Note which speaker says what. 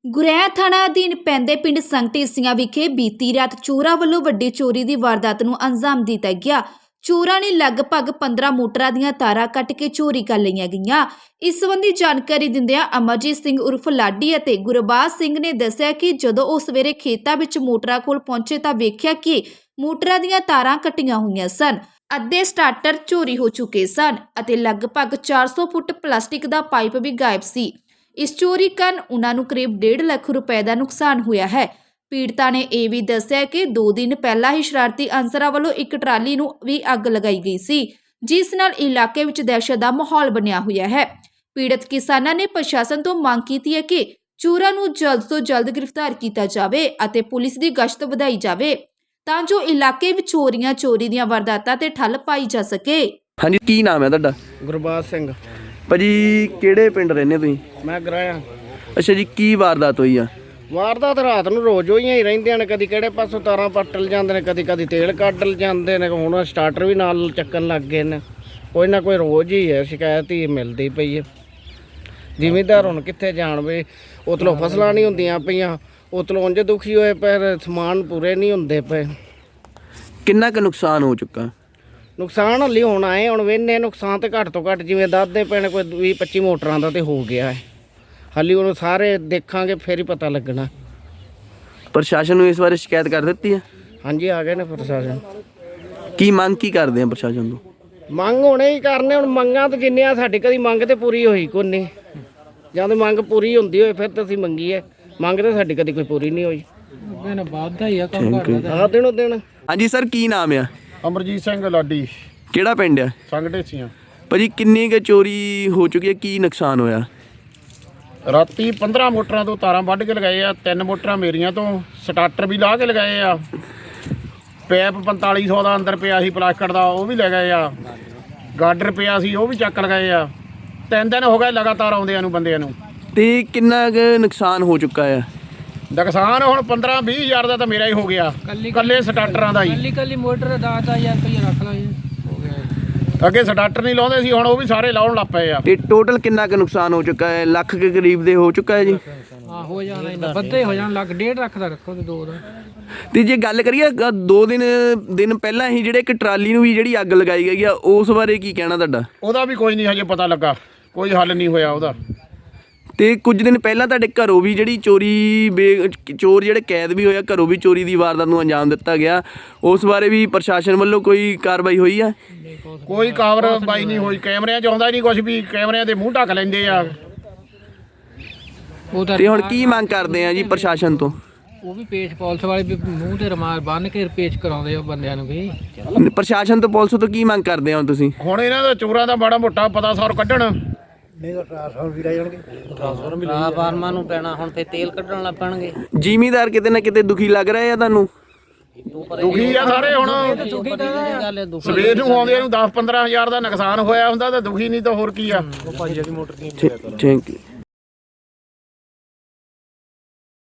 Speaker 1: ਗੁਰੈਆ ਥਾਣਾ ਅਧੀਨ ਪੈਂਦੇ ਪਿੰਡ ਸੰਗਟੇਸੀਆਂ ਵਿਖੇ ਬੀਤੀ ਰਾਤ ਚੋਰਾਂ ਵੱਲੋਂ ਵੱਡੀ ਚੋਰੀ ਦੀ ਵਾਰਦਾਤ ਨੂੰ ਅੰਜਾਮ ਦਿੱਤਾ ਗਿਆ। ਚੋਰਾਂ ਨੇ ਲਗਭਗ 15 ਮੋਟਰਾਂ ਦੀਆਂ ਤਾਰਾਂ ਕੱਟ ਕੇ ਚੋਰੀ ਕਰ ਲਈਆਂ ਗਈਆਂ। ਇਸ ਸੰਬੰਧੀ ਜਾਣਕਾਰੀ ਦਿੰਦਿਆਂ ਅਮਰਜੀਤ ਸਿੰਘ ਉਰਫ ਲਾਡੀ ਅਤੇ ਗੁਰਬਾਜ ਸਿੰਘ ਨੇ ਦੱਸਿਆ ਕਿ ਜਦੋਂ ਉਹ ਸਵੇਰੇ ਖੇਤਾਂ ਵਿੱਚ ਮੋਟਰਾਂ ਕੋਲ ਪਹੁੰਚੇ ਤਾਂ ਵੇਖਿਆ ਕਿ ਮੋਟਰਾਂ ਦੀਆਂ ਤਾਰਾਂ ਕੱਟੀਆਂ ਹੋਈਆਂ ਸਨ। ਅੱਧੇ ਸਟਾਰਟਰ ਚੋਰੀ ਹੋ ਚੁੱਕੇ ਸਨ ਅਤੇ ਲਗਭਗ 400 ਫੁੱਟ ਪਲਾਸਟਿਕ ਦਾ ਪਾਈਪ ਵੀ ਗਾਇਬ ਸੀ। ਇਸ ਚੋਰੀ ਕਾਰਨ ਉਹਨਾਂ ਨੂੰ ਕਰੀਬ 1.5 ਲੱਖ ਰੁਪਏ ਦਾ ਨੁਕਸਾਨ ਹੋਇਆ ਹੈ। ਪੀੜਤਾ ਨੇ ਇਹ ਵੀ ਦੱਸਿਆ ਕਿ 2 ਦਿਨ ਪਹਿਲਾਂ ਹੀ ਸ਼ਰਾਰਤੀ ਅਨਸਰਾਂ ਵੱਲੋਂ ਇੱਕ ਟਰਾਲੀ ਨੂੰ ਵੀ ਅੱਗ ਲਗਾਈ ਗਈ ਸੀ, ਜਿਸ ਨਾਲ ਇਲਾਕੇ ਵਿੱਚ ਦਹਿਸ਼ਤ ਦਾ ਮਾਹੌਲ ਬਣਿਆ ਹੋਇਆ ਹੈ। ਪੀੜਤ ਕਿਸਾਨਾਂ ਨੇ ਪ੍ਰਸ਼ਾਸਨ ਤੋਂ ਮੰਗ ਕੀਤੀ ਹੈ ਕਿ ਚੋਰਾਂ ਨੂੰ ਜਲਦ ਤੋਂ ਜਲਦ ਗ੍ਰਿਫਤਾਰ ਕੀਤਾ ਜਾਵੇ ਅਤੇ ਪੁਲਿਸ ਦੀ ਗਸ਼ਤ ਵਧਾਈ ਜਾਵੇ ਤਾਂ ਜੋ ਇਲਾਕੇ ਵਿੱਚ ਹੋ ਰਹੀਆਂ ਚੋਰੀ ਦੀਆਂ ਵਾਰਦਾਤਾਂ ਤੇ ਠੱਲ ਪਾਈ ਜਾ ਸਕੇ।
Speaker 2: ਹਾਂਜੀ, ਕੀ ਨਾਮ ਹੈ ਤੁਹਾਡਾ?
Speaker 3: ਗੁਰਬਾਜ ਸਿੰਘ।
Speaker 2: ਭਾਜੀ ਕਿਹੜੇ ਪਿੰਡ ਰਹਿੰਦੇ ਤੁਸੀਂ?
Speaker 3: ਮੈਂ ਗਰਾਇਆ।
Speaker 2: ਅੱਛਾ ਜੀ, ਕੀ ਵਾਰਦਾਤ ਹੋਈ ਆ?
Speaker 3: ਵਾਰਦਾਤ ਰਾਤ ਨੂੰ ਰੋਜ਼ ਹੋਈਆਂ ਹੀ ਰਹਿੰਦੀਆਂ ਨੇ, ਕਦੀ ਕਿਹੜੇ ਪਾਸੋਂ ਤਾਰਾਂ ਪੱਟਲ ਜਾਂਦੇ ਨੇ, ਕਦੀ ਤੇਲ ਕੱਢ ਜਾਂਦੇ ਨੇ। ਹੁਣ ਸਟਾਰਟਰ ਵੀ ਨਾਲ ਚੱਕਣ ਲੱਗ ਗਏ ਨੇ। ਕੋਈ ਨਾ ਕੋਈ ਰੋਜ਼ ਹੀ ਹੈ ਸ਼ਿਕਾਇਤ ਹੀ ਮਿਲਦੀ ਪਈ ਹੈ। ਜ਼ਿਮੀਂਦਾਰ ਹੁਣ ਕਿੱਥੇ ਜਾਣ ਵੇ, ਉਤਲੋਂ ਫਸਲਾਂ ਨਹੀਂ ਹੁੰਦੀਆਂ ਪਈਆਂ, ਉਤਲੋਂ ਉਂਝ ਦੁਖੀ ਹੋਏ ਪਰ ਸਮਾਨ ਪੂਰੇ ਨਹੀਂ ਹੁੰਦੇ ਪਏ।
Speaker 2: ਕਿੰਨਾ ਕੁ ਨੁਕਸਾਨ ਹੋ ਚੁੱਕਾ?
Speaker 3: ਨੁਕਸਾਨ ਹਲੀ ਹੁਣ ਆਏ, ਹੁਣ ਵੇਨੇ ਨੁਕਸਾਨ ਤੇ ਘੱਟ ਤੋਂ ਘੱਟ ਜਿਵੇਂ ਦੱਸਦੇ ਪੈਣੇ ਕੋਈ 20-25 ਮੋਟਰਾਂ ਦਾ ਤੇ ਹੋ ਗਿਆ ਹੈ। ਹਾਲੀ ਹੁਣ ਸਾਰੇ ਦੇਖਾਂਗੇ ਫਿਰ ਹੀ ਪਤਾ ਲੱਗਣਾ।
Speaker 2: ਪ੍ਰਸ਼ਾਸਨ ਨੂੰ ਇਸ ਬਾਰੇ ਸ਼ਿਕਾਇਤ ਕਰ ਦਿੱਤੀ ਹੈ?
Speaker 3: ਹਾਂਜੀ, ਆ ਗਏ ਨੇ ਪ੍ਰਸ਼ਾਸਨ।
Speaker 2: ਕੀ ਮੰਗ ਕੀ ਕਰਦੇ ਆ ਪ੍ਰਸ਼ਾਸਨ ਤੋਂ?
Speaker 3: ਮੰਗ ਹੋਣੇ ਹੀ ਕਰਨੇ। ਹੁਣ ਮੰਗਾਂ ਤਾਂ ਜਿੰਨੀਆਂ ਸਾਡੀ ਕਦੀ ਮੰਗ ਤੇ ਪੂਰੀ ਹੋਈ ਕੋਈ ਨਹੀਂ। ਜਦ ਮੰਗ ਪੂਰੀ ਹੁੰਦੀ ਹੋਏ ਫਿਰ ਤਾਂ ਅਸੀਂ ਮੰਗੀਏ। ਮੰਗ ਤਾਂ ਸਾਡੀ ਕਦੀ ਕੋਈ ਪੂਰੀ ਨਹੀਂ ਹੋਈ। ਆ ਦਿਨੋਂ ਦਿਨ।
Speaker 2: ਹਾਂਜੀ ਸਰ, ਕੀ ਨਾਮ ਆ?
Speaker 4: ਅਮਰਜੀਤ ਸਿੰਘ ਲਾਡੀ।
Speaker 2: ਕਿਹੜਾ ਪਿੰਡ ਆ?
Speaker 4: ਸੰਗਟੇਸੀਆਂ।
Speaker 2: ਭਾਜੀ ਕਿੰਨੀ ਕੁ ਚੋਰੀ ਹੋ ਚੁੱਕੀ ਹੈ? ਕੀ ਨੁਕਸਾਨ ਹੋਇਆ?
Speaker 4: ਰਾਤੀ 15 ਮੋਟਰਾਂ ਤੋਂ ਤਾਰਾਂ ਵੱਢ ਕੇ ਲਗਾਏ ਆ। 3 ਮੋਟਰਾਂ ਮੇਰੀਆਂ ਤੋਂ, ਸਟਾਰਟਰ ਵੀ ਲਾ ਕੇ ਲਗਾਏ ਆ। ਪੈਪ 4500 ਦਾ ਅੰਦਰ ਪਿਆ ਸੀ ਪਲਾਸਟਿਕ ਦਾ, ਉਹ ਵੀ ਲੈ ਗਏ ਆ। ਗਾਡਰ ਪਿਆ ਸੀ, ਉਹ ਵੀ ਚੱਕ ਲਗਾਏ ਆ। 3 ਦਿਨ ਹੋ ਗਏ ਲਗਾਤਾਰ ਆਉਂਦਿਆਂ ਨੂੰ ਬੰਦਿਆਂ ਨੂੰ।
Speaker 2: ਤੇ ਕਿੰਨਾ ਕੁ ਨੁਕਸਾਨ ਹੋ ਚੁੱਕਾ ਆ?
Speaker 4: ਨੁਕਸਾਨ ਹੁਣ 15-20 ਹਜ਼ਾਰ ਦਾ ਤਾਂ ਮੇਰਾ ਹੀ ਹੋ ਗਿਆ, ਕੱਲੇ ਸਟਾਰਟਰਾਂ ਦਾ ਹੀ।
Speaker 5: ਕੱਲੀ ਮੋਟਰ 10,000 ਰੁਪਏ ਰੱਖ ਲਾ ਜੀ।
Speaker 4: ਅੱਗੇ ਸਟਾਰਟਰ ਨਹੀਂ ਲਾਉਂਦੇ ਸੀ, ਹੁਣ ਉਹ ਵੀ ਸਾਰੇ ਲਾਉਣ ਲੱਗ ਪਏ ਆ।
Speaker 2: ਤੇ ਟੋਟਲ ਕਿੰਨਾ ਕੁ ਨੁਕਸਾਨ ਹੋ ਚੁੱਕਾ ਹੈ? ਲੱਖ ਕੇ ਕਰੀਬ ਦੇ ਹੋ ਚੁੱਕਾ ਹੈ ਜੀ?
Speaker 5: ਹਾਂ, ਹੋ ਜਾਣਾ ਇਹਨਾਂ ਵੱਧੇ ਹੋ ਜਾਣ ਲੱਖ 1.5 ਲੱਖ ਦਾ ਰੱਖੋ ਤੇ 2 ਦਾ।
Speaker 2: ਤੇ ਜੇ ਗੱਲ ਕਰੀਏ 2 ਦਿਨ ਪਹਿਲਾਂ ਹੀ ਜਿਹੜੇ ਇੱਕ ਟਰਾਲੀ ਨੂੰ ਵੀ ਜਿਹੜੀ ਅੱਗ ਲਗਾਈ ਗਈ ਆ, ਉਸ ਬਾਰੇ ਕੀ ਕਹਿਣਾ ਤੁਹਾਡਾ?
Speaker 4: ਉਹਦਾ ਵੀ ਕੋਈ ਨਹੀਂ ਹਜੇ ਪਤਾ ਲੱਗਾ, ਕੋਈ ਹੱਲ ਨਹੀਂ ਹੋਇਆ ਉਹਦਾ।
Speaker 2: ਤੇ ਕੁਝ ਦਿਨ ਪਹਿਲਾਂ ਤੁਹਾਡੇ ਘਰੋਂ ਵੀ ਜਿਹੜੀ ਚੋਰ ਜਿਹੜੇ ਕੈਦ ਵੀ ਹੋਇਆ, ਘਰੋਂ ਵੀ ਚੋਰੀ ਦੀ ਵਾਰਦਾਤ ਨੂੰ ਅੰਜਾਮ ਦਿੱਤਾ ਗਿਆ, ਉਸ ਬਾਰੇ ਵੀ ਪ੍ਰਸ਼ਾਸਨ ਵੱਲੋਂ ਕੋਈ ਕਾਰਵਾਈ ਹੋਈ ਆ?
Speaker 4: ਕੋਈ ਕਾਰਵਾਈ ਨਹੀਂ ਹੋਈ। ਕੈਮਰਿਆਂ 'ਚ ਆਉਂਦਾ ਨਹੀਂ ਕੁਝ ਵੀ, ਕੈਮਰਿਆਂ ਦੇ ਮੂੰਹ ਢੱਕ ਲੈਂਦੇ ਆ।
Speaker 2: ਤੇ ਹੁਣ ਕੀ ਮੰਗ ਕਰਦੇ ਆ ਜੀ ਪ੍ਰਸ਼ਾਸਨ ਤੋਂ?
Speaker 5: ਉਹ ਵੀ ਪੇਸ਼ ਪੁਲਿਸ ਵਾਲੇ ਵੀ ਮੂੰਹ ਤੇ ਰੁਮਾਲ ਬੰਨ੍ਹ ਕੇ ਪੇਸ਼ ਕਰਾਉਂਦੇ ਆ ਬੰਦਿਆਂ ਨੂੰ ਵੀ।
Speaker 2: ਪ੍ਰਸ਼ਾਸਨ ਤੋਂ ਪੁਲਿਸ ਤੋਂ ਕੀ ਮੰਗ ਕਰਦੇ ਆ ਤੁਸੀਂ?
Speaker 4: ਹੁਣ ਇਹਨਾਂ ਦਾ ਚੋਰਾਂ ਦਾ ਮਾੜਾ ਮੋਟਾ ਪਤਾ ਸੌਰ ਕੱਢਣ।
Speaker 6: ਫਾਰਮਾਂ ਨੂੰ ਪੈਣਾ, ਹੁਣ ਤੇ ਤੇਲ ਕੱਢਣ ਲੱਗ ਪੈਣਗੇ।
Speaker 2: ਜ਼ਿਮੀਂਦਾਰ ਕਿਤੇ ਨਾ ਕਿਤੇ ਦੁਖੀ ਲੱਗ ਰਹੇ ਆ ਤੁਹਾਨੂੰ?
Speaker 4: ਦੁਖੀ ਆ ਸਾਰੇ। ਹੁਣ ਸਵੇਰ ਨੂੰ ਆਉਂਦੇ ਨੂੰ 10-15 ਹਜ਼ਾਰ ਦਾ ਨੁਕਸਾਨ ਹੋਇਆ ਹੁੰਦਾ ਤਾਂ ਦੁਖੀ ਨਹੀਂ ਤਾਂ ਹੋਰ ਕੀ ਆ।
Speaker 2: Thank you.